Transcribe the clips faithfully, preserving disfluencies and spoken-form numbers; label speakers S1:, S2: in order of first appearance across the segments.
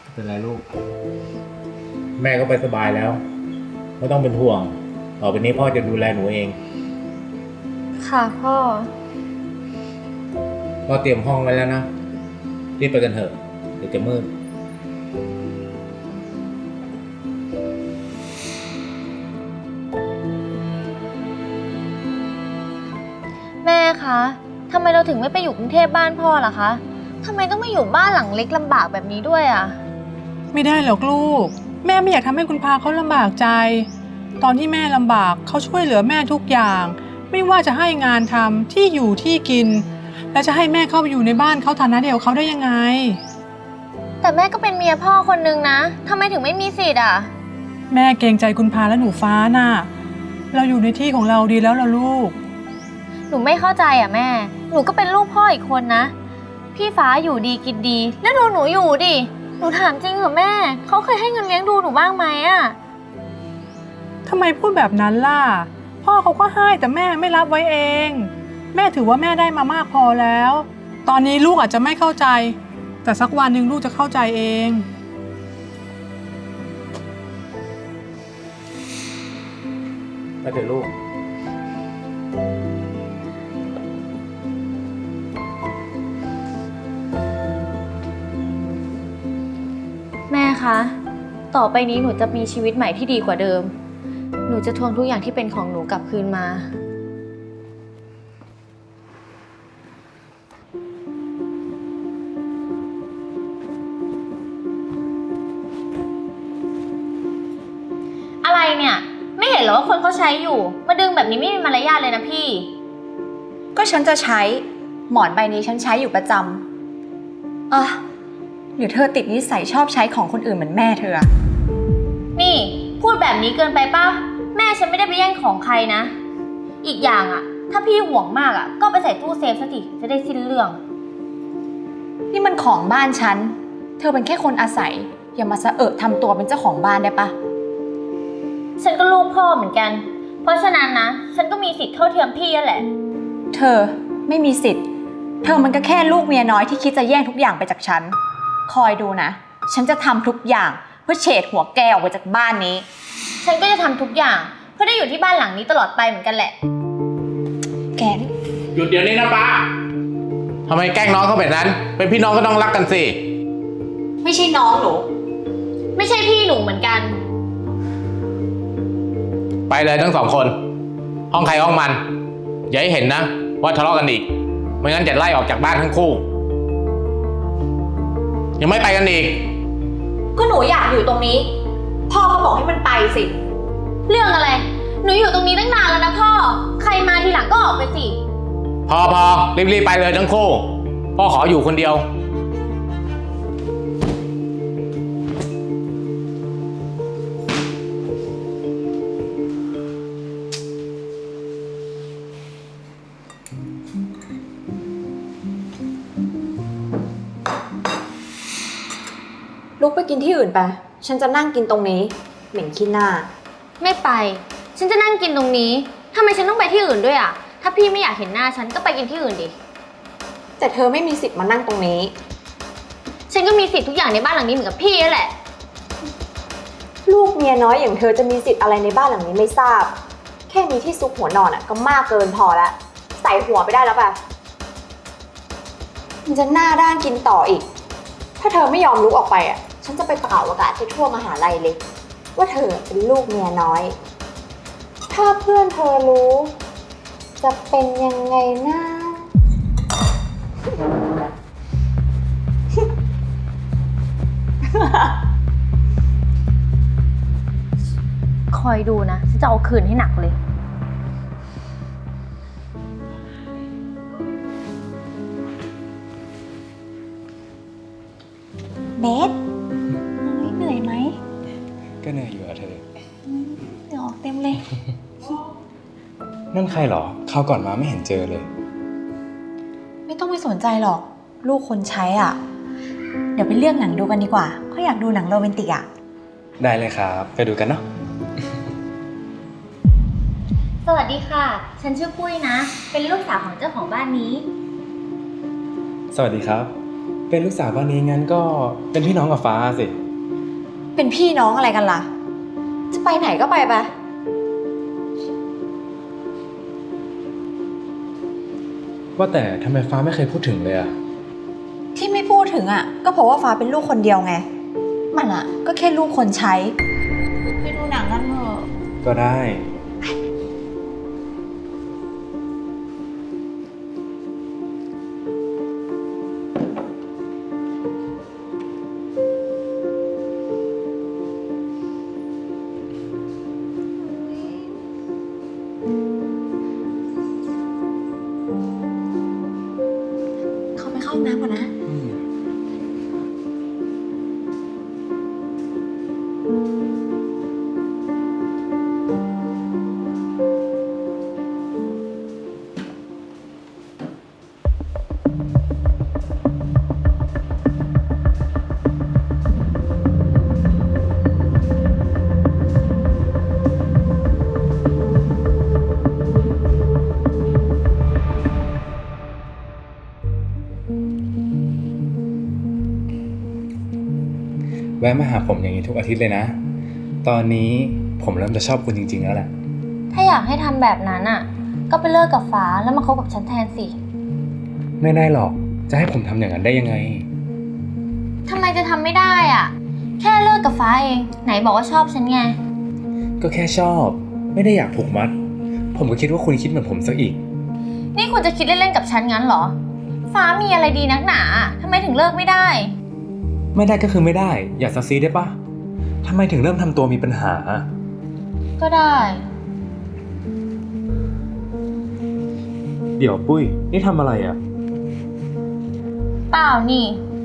S1: เป็นไรลูกแม่ก็ไปสบายแล้วไม่ต้องเป็นห่วงต่อไปนี้พ่อจะดูแลหนูเอง
S2: ค่ะพ่อ
S1: พ่อเตรียมห้องไว้แล้วนะรีบไปกันเถอะเดี๋ยวจะมืด
S2: แม่คะทำไมเราถึงไม่ไปอยู่กรุงเทพบ้านพ่อล่ะคะทำไมต้องมาอยู่บ้านหลังเล็กลำบากแบบนี้ด้วยอ่ะ
S3: ไม่ได้หรอกลูกแม่ไม่อยากทำให้คุณพาเขาลำบากใจตอนที่แม่ลำบากเขาช่วยเหลือแม่ทุกอย่างไม่ว่าจะให้งานทำที่อยู่ที่กินแล้วจะให้แม่เข้าไปอยู่ในบ้านเขาฐานะเดียวเขาได้ยังไง
S2: แต่แม่ก็เป็นเมียพ่อคนนึงนะทำไมถึงไม่มีสิทธิ์อ่ะ
S3: แม่เกรงใจคุณพาและหนูฟ้าน่ะเราอยู่ในที่ของเราดีแล้วล่ะลูก
S2: หนูไม่เข้าใจอ่ะแม่หนูก็เป็นลูกพ่ออีกคนนะพี่ฟ้าอยู่ดีกินดีแล้วดูหนูอยู่ดิหนูถามจริงเหรอแม่เขาเคยให้เงินเลี้ยงดูหนูบ้างไหมอ่ะ
S3: ทำไมพูดแบบนั้นล่ะพ่อเขาก็ให้แต่แม่ไม่รับไว้เองแม่ถือว่าแม่ได้มามากพอแล้วตอนนี้ลูกอาจจะไม่เข้าใจแต่สักวันหนึ่งลูกจะเข้าใจเอง
S1: ไปเถอะลูก
S2: แม่คะต่อไปนี้หนูจะมีชีวิตใหม่ที่ดีกว่าเดิมหนูจะทวงทุกอย่างที่เป็นของหนูกลับคืนมาอะไรเนี่ยไม่เห็นเหรอว่าคนเขาใช้อยู่มาดึงแบบนี้ไม่มีมารยาทเลยนะพี่
S4: ก็ฉันจะใช้หมอนใบนี้ฉันใช้อยู่ประจำอ่ะหรือเธอติดนิสัยชอบใช้ของคนอื่นเหมือนแม่เธอ
S2: นี่พูดแบบนี้เกินไปป่ะแม่ฉันไม่ได้ไปแย่งของใครนะอีกอย่างอ่ะถ้าพี่ห่วงมากอ่ะก็ไปใส่ตู้เซฟซะสิจะได้สิ้นเรื่อง
S4: นี่มันของบ้านฉันเธอเป็นแค่คนอาศัยอย่ามาสะเอะทำตัวเป็นเจ้าของบ้านได้ปะ
S2: ฉันก็ลูกพ่อเหมือนกันเพราะฉะนั้นนะฉันก็มีสิทธิ์เท่าเทียมพี่นั่นแหละ
S4: เธอไม่มีสิทธิ์เธอมันก็แค่ลูกเมียน้อยที่คิดจะแย่งทุกอย่างไปจากฉันคอยดูนะฉันจะทำทุกอย่างเพื่อเฉดหัวแกออกไปจากบ้านนี้
S2: ฉันก็จะทำทุกอย่างเพื่อได้อยู่ที่บ้านหลังนี้ตลอดไปเหมือนกันแหละ
S4: แก
S1: หยุดเดี๋ยวนี้นะป้าทำไมแกล้งน้องเขาแบบนั้นเป็นพี่น้องก็ต้องรักกันสิ
S4: ไม่ใช่น้องหนู
S2: ไม่ใช่พี่หนูเหมือนกัน
S1: ไปเลยทั้งสองคนห้องใครห้องมันอย่าให้เห็นนะว่าทะเลาะกันอีกไม่งั้นจะไล่ออกจากบ้านทั้งคู่ยังไม่ไปกันอีก
S4: ก็หนูอยากอยู่ตรงนี้พ่อก็บอกให้มันไปสิ
S2: เรื่องอะไรหนูอยู่ตรงนี้ตั้งนานแล้วนะพ่อใครมาทีหลังก็ออกไปสิ
S1: พอพอรีบๆไปเลยทั้งคู่พ่อขออยู่คนเดียว
S4: ลุกไปกินที่อื่นไปฉันจะนั่งกินตรงนี้เหม็นขี้หน้า
S2: ไม่ไปฉันจะนั่งกินตรงนี้ทำไมฉันต้องไปที่อื่นด้วยอ่ะถ้าพี่ไม่อยากเห็นหน้าฉันก็ไปกินที่อื่นดิ
S4: แต่เธอไม่มีสิทธิ์มานั่งตรงนี้
S2: ฉันก็มีสิทธิ์ทุกอย่างในบ้านหลังนี้เหมือนกับพี่นั่นแหละ
S4: ลูกเมียน้อยอย่างเธอจะมีสิทธิ์อะไรในบ้านหลังนี้ไม่ทราบแค่มีที่ซุกหัวนอนอ่ะก็มากเกินพอแล้วใส่หัวไปได้แล้วป่ะมันจะหน้าด้านกินต่ออีกถ้าเธอไม่ยอมลุกออกไปอ่ะฉันจะไปเป่าอากาศให้ทั่วมหาลัยเลยว่าเธอเป็นลูกเมียน้อยถ้าเพื่อนเธอรู้จะเป็นยังไงนะ
S2: คอยดูนะฉันจะเอาคืนให้หนักเลย
S4: เบสเหนื่อยไหม
S5: ก็เหนื่อยอยู่อะเธอ
S4: เหงื่อออกเต็มเลย
S5: นั่นใครหรอคราวก่อนมาไม่เห็นเจอเลย
S4: ไม่ต้องไปสนใจหรอกลูกคนใช้อ่ะเดี๋ยวไปเลือกหนังดูกันดีกว่าเขาอยากดูหนังโรแมนติกอ่ะ
S5: ได้เลยครับไปดูกันเนาะ
S2: สวัสดีค่ะฉันชื่อปุ้ยนะเป็นลูกสาวของเจ้าของบ้านนี้
S5: สวัสดีครับเป็นลูกสาวบ้านนี้งั้นก็เป็นพี่น้องกับฟ้าสิ
S4: เป็นพี่น้องอะไรกันล่ะ จะไปไหนก็ไปไป
S5: ว่าแต่ทำไมฟ้าไม่เคยพูดถึงเลยอะ
S4: ที่ไม่พูดถึงอ่ะ ก็เพราะว่าฟ้าเป็นลูกคนเดียวไง มันอ่ะ ก็แค่ลูกคนใช้ ไปดูหนังกันเถอะ
S5: ก็ได้
S4: เขาไปเข้าห้องน้ำก่อนนะ
S5: แวะมาหาผมอย่างนี้ทุกอาทิตย์เลยนะ ตอนนี้ผมเริ่มจะชอบคุณจริงๆแล้วแหละ
S2: ถ้าอยากให้ทำแบบนั้นอ่ะ ก็ไปเลิกกับฟ้าแล้วมาคบกับฉันแทนสิ
S5: ไม่ได้หรอก จะให้ผมทำอย่างนั้นได้ยังไง
S2: ทำไมจะทำไม่ได้อ่ะ แค่เลิกกับฟ้าเอง ไหนบอกว่าชอบฉันไง
S5: ก็แค่ชอบ ไม่ได้อยากผูกมัด ผมก็คิดว่าคุณคิดเหมือนผมซะอีก
S2: นี่คุณจะคิดเล่นๆกับฉันงั้นเหรอ ฟ้ามีอะไรดีนักหนาทำไมถึงเลิกไม่ได้
S5: ไม่ได้ก็คือไม่ได้ อย่าซักซีได้ปะทำไมถึงเริ่มทำตัวมีปัญหา
S2: ก็ได้
S5: เดี๋ยวปุ้ย นี่ทำอะไรอะ
S2: เปล่านี่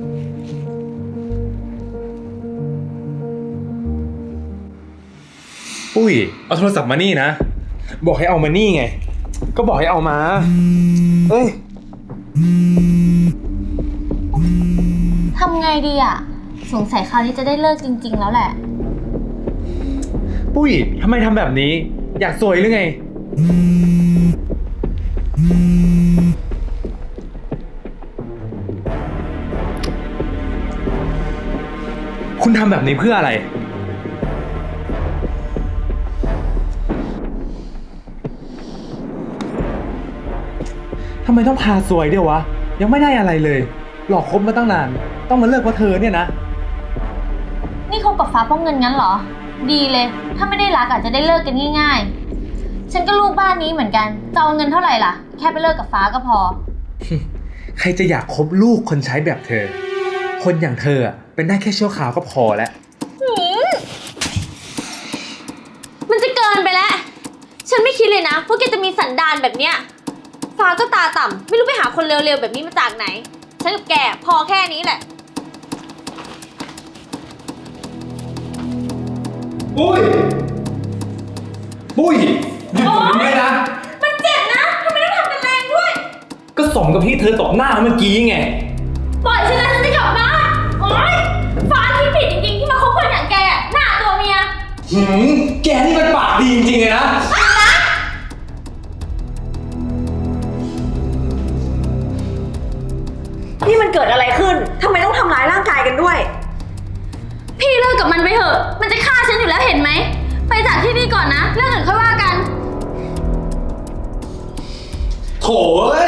S5: ปุ้ย เอาโทรศัพท์มานี่นะ บอกให้เอามานี่ไง ก็บอกให้เอามา เอ้ย
S2: ทำไงดีอ่ะ สงสัยคราวนี้จะได้เลิกจริงๆแล้วแหละ
S5: ปุ้ย ทำไมทำแบบนี้ อยากสวยหรือไง คุณทำแบบนี้เพื่ออะไร ทำไมต้องพาสวยเดียววะ ยังไม่ได้อะไรเลย หลอกคบมาตั้งนาน ต้องมาเลิกเพราะเธอเนี่ยนะ
S2: นี่คบกับฟ้าเพราะเงินงั้นเหรอ ดีเลย ถ้าไม่ได้รักอาจจะได้เลิกกันง่ายๆ ฉันก็ลูกบ้านนี้เหมือนกัน จะเอาเงินเท่าไหร่ล่ะ แค่ไปเลิกกับฟ้าก็พอ
S5: ใครจะอยากคบลูกคนใช้แบบเธอ คนอย่างเธออะเป็นได้แค่ชั่วคราวก็พอแล้ว
S2: มันจะเกินไปแล้ว ฉันไม่คิดเลยนะว่าแกจะมีสันดานแบบเนี้ย ฟ้าก็ตาต่ำไม่รู้ไปหาคนเร็วๆแบบนี้มาจากไหน ฉันกับแกพอแค่นี้แหละ
S5: ปุ้ย ปุ้ยหยุดผมเลยนะ
S2: มันเจ็บนะทำไมต้องทำกันแรงด้วย
S5: ก็สมกับที่เธอตบหน้าเมื่อกี้ไง
S2: ปล่อยฉันนะฉันจะกลับบ้านโอ๊ยฟ้าที่ผิดจริงๆที่มาคบคนอย่างแกอะหน้าตัวเมีย
S5: หืม แกนี่มันปากดีจริงๆเลยนะ
S4: นี่มันเกิดอะไรขึ้น ทำไมต้องทำร้ายร่างกายกันด้วย
S2: พี่เลิกกับมันไปเถอะ มันจะฆ่าฉันอยู่แล้วเห็นไหม ไปจากที่นี่ก่อนนะ เรื่องอื่นค่อยว่ากัน
S5: โถ่เอ้ย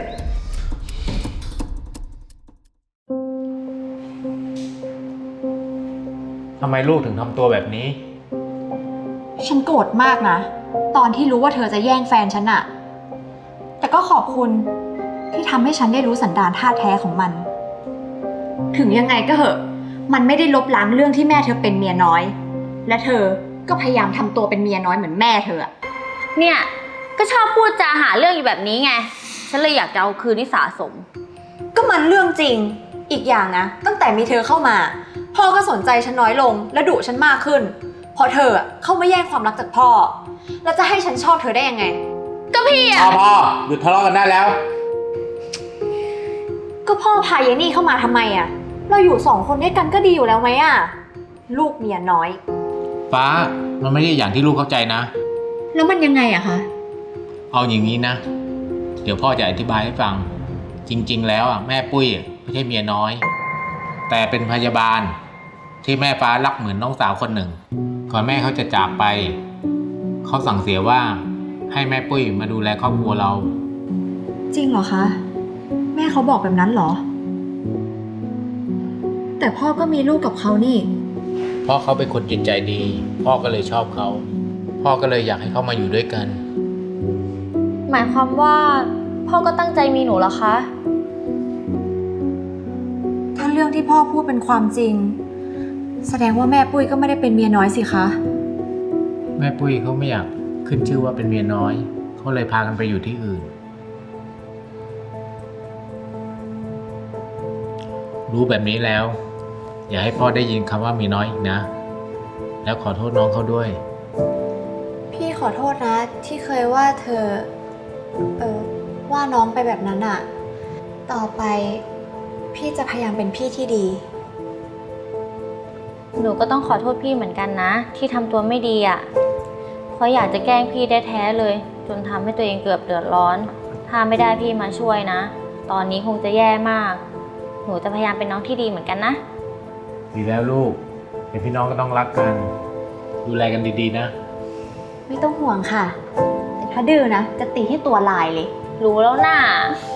S1: ทำไมลูกถึงทำตัวแบบนี้
S4: ฉันโกรธมากนะ ตอนที่รู้ว่าเธอจะแย่งแฟนฉันอะแต่ก็ขอบคุณที่ทำให้ฉันได้รู้สันดานท่าแท้ของมัน ถึงยังไงก็เหอะ มันไม่ได้ลบล้างเรื่องที่แม่เธอเป็นเมียน้อย และเธอก็พยายามทำตัวเป็นเมียน้อยเหมือนแม่เธออะ
S2: เนี่ย ก็ชอบพูดจาหาเรื่องอยู่แบบนี้ไง ฉันเลยอยากจะเอาคืนที่สะสม
S4: ก็มันเรื่องจริง อีกอย่างนะ ตั้งแต่มีเธอเข้ามา พ่อก็สนใจฉันน้อยลงและดุฉันมากขึ้นเพราะเธออะเข้ามาแย่งความรักจากพ่อ แล้วจะให้ฉันชอบเธอได้ยังไง
S2: ก็พี่อะ
S1: พ่อพ่อหยุดทะเลาะกันได้แล้ว
S4: ก็พ่อพายายนี่เข้ามาทำไมอะเราอยู่สองคนด้วยกันก็ดีอยู่แล้วไหมอะลูกเมียน้อย
S1: ฟ้า มันไม่ใช่อย่างที่ลูกเข้าใจนะ
S4: แล้วมันยังไงอะคะ
S1: เอาอย่างนี้นะ เดี๋ยวพ่อจะอธิบายให้ฟัง จริงๆ แล้วอ่ะแม่ปุ้ยไม่ใช่เมียน้อย แต่เป็นพยาบาลที่แม่ฟ้ารักเหมือนน้องสาวคนหนึ่ง ก่อนแม่เขาจะจากไป เขาสั่งเสียว่าให้แม่ปุ้ยมาดูแลครอบครัวเรา
S4: จริงเหรอคะ แม่เขาบอกแบบนั้นเหรอ แต่พ่อก็มีลูกกับเขานี่
S1: เพราะเขาเป็นคนจิตใจดี พ่อก็เลยชอบเขา พ่อก็เลยอยากให้เขามาอยู่ด้วยกัน
S2: หมายความว่าพ่อก็ตั้งใจมีหนูเหรอคะ
S4: ถ้าเรื่องที่พ่อพูดเป็นความจริง แสดงว่าแม่ปุ้ยก็ไม่ได้เป็นเมียน้อยสิคะ
S1: แม่ปุ้ยเขาไม่อยากขึ้นชื่อว่าเป็นเมียน้อย เขาเลยพากันไปอยู่ที่อื่น รู้แบบนี้แล้ว อย่าให้พ่อได้ยินคำว่าเมียน้อยอีกนะ แล้วขอโทษน้องเขาด้วย
S4: พี่ขอโทษนะที่เคยว่าเธอ เออว่าน้องไปแบบนั้นอะต่อไปพี่จะพยายามเป็นพี่ที่ดี
S2: หนูก็ต้องขอโทษพี่เหมือนกันนะ ที่ทำตัวไม่ดีอ่ะ เพราะอยากจะแกล้งพี่ได้แท้เลย จนทำให้ตัวเองเกือบเดือดร้อน ถ้าไม่ได้พี่มาช่วยนะ ตอนนี้คงจะแย่มาก หนูจะพยายามเป็นน้องที่ดีเหมือนกันนะ
S1: ดีแล้วลูก เป็นพี่น้องก็ต้องรักกัน ดูแลกันดีๆนะ
S4: ไม่ต้องห่วงค่ะ แต่ถ้าดื้อนะ จะตีให้ตัวลายเลย
S2: รู้แล้วน่ะ